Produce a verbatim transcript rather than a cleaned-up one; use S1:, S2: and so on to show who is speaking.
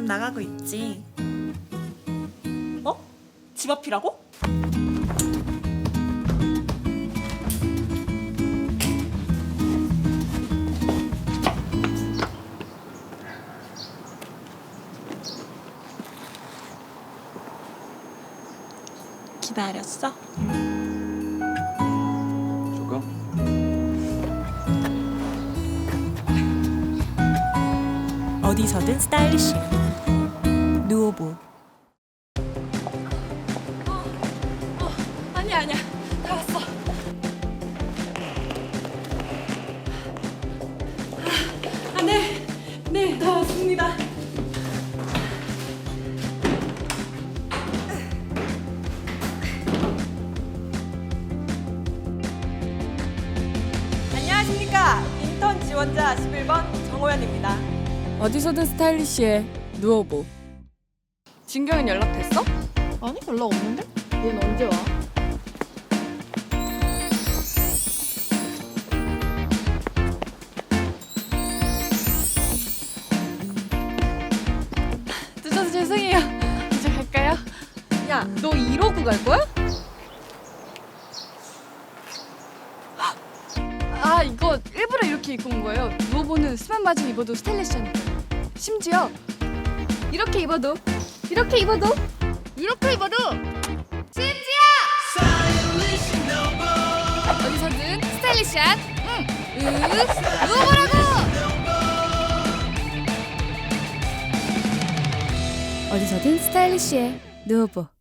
S1: 나가고 있지.
S2: 어? 집 앞이라고?
S1: 기다렸어?
S3: 조금?
S1: 어디서든 스타일리시 누오보.
S2: 아니야 아니야 다 왔어. 아, 네, 네, 다 왔습니다. 안녕하십니까. 인턴 지원자 십일 번 정호연입니다.
S4: 어디서든 스타일리시해 누워보. 진경은 연락됐어?
S5: 아니 연락 없는데? 얘는 언제 와?
S4: 늦어서 죄송해요. 이제 갈까요? 야, 너 이러고 갈 거야? 아, 이거 일부러 이렇게 입고 온 거예요. 누워보는 스만 바지 입어도 스타일리시하니까. 심지어 이렇게 입어도 이렇게 입어도 이렇게 입어도 심지어 어디서든 스타일리시한 응, 으, 누워보라고. 어디서든 스타일리시해 누워보.